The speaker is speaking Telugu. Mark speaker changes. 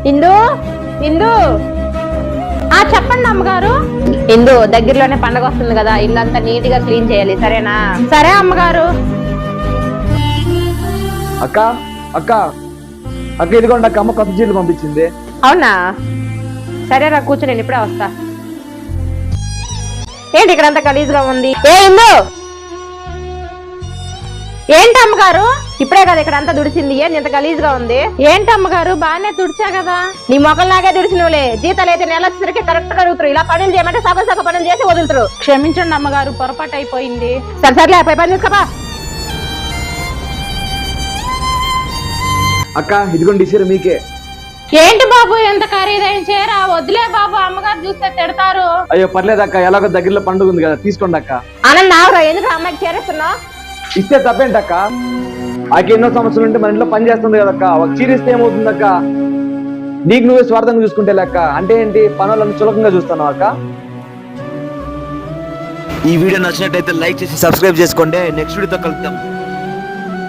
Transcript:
Speaker 1: ఇందు ఇందు చెప్పండి అమ్మగారు. ఇందు దగ్గరలోనే పండగ వస్తుంది కదా, ఇల్లంతా నీట్ గా క్లీన్ చేయాలి, సరేనా? సరే అమ్మగారు.
Speaker 2: అక్క అక్క అక్క ఇదిగోండి అక్క, అమ్మ కొత్త చీరలు పంపించింది.
Speaker 1: అవునా, సరేరా కూర్చో, నేను ఇప్పుడే వస్తా. ఏంటి ఇక్కడంతా గలీజ్గా ఉంది? ఇందు, ఏంటి అమ్మగారు? ఇప్పుడే కదా ఇక్కడ అంతా దుడిచింది, ఏంటి ఇంత గలీజ్గా ఉంది? ఏంటి అమ్మగారు, బాగానే తుడిచా కదా. నీ మొక్కల్లాగే తుడిచినవులే. జీతాలు అయితే నెల వచ్చేసరికి కరెక్ట్ గా అడుగుతారు. ఇలా పనులు చేయమంటే సగం సగం పనులు చేసి వదులుతారు. క్షమించండి అమ్మగారు, పొరపాటు అయిపోయింది. సరే పై పని చూసుకోపా.
Speaker 2: అక్క ఇదిగోండి ఈ చీర మీకే.
Speaker 1: ఏంటి బాబు ఎంత ఖరీదైన చీర? వద్దులే బాబు, అమ్మగారు చూస్తే తిడతారు.
Speaker 2: అయ్యో పర్లేదు అక్క, ఎలాగో దగ్గరలో పండుగ ఉంది కదా, తీసుకోండి అక్క.
Speaker 1: ఆనంద్ ఆవురా, ఎందుకు అమ్మాయికి చేరేస్తున్నావు?
Speaker 2: ఇస్తే తప్పేంటి అక్క? ఆకి ఎన్నో సమస్యలు ఉంటే మన ఇంట్లో పని చేస్తుంది కదక్క, ఒక చీర ఇస్తే ఏమవుతుంది అక్క? నీకు నువ్వే స్వార్థంగా చూసుకుంటే లెక్క అంటే ఏంటి? పనులను చులకంగా చూస్తాను అక్క.
Speaker 3: ఈ వీడియో నచ్చినట్టయితే లైక్ చేసి సబ్స్క్రైబ్ చేసుకోండి. నెక్స్ట్ వీడియోతో కలుద్దాం.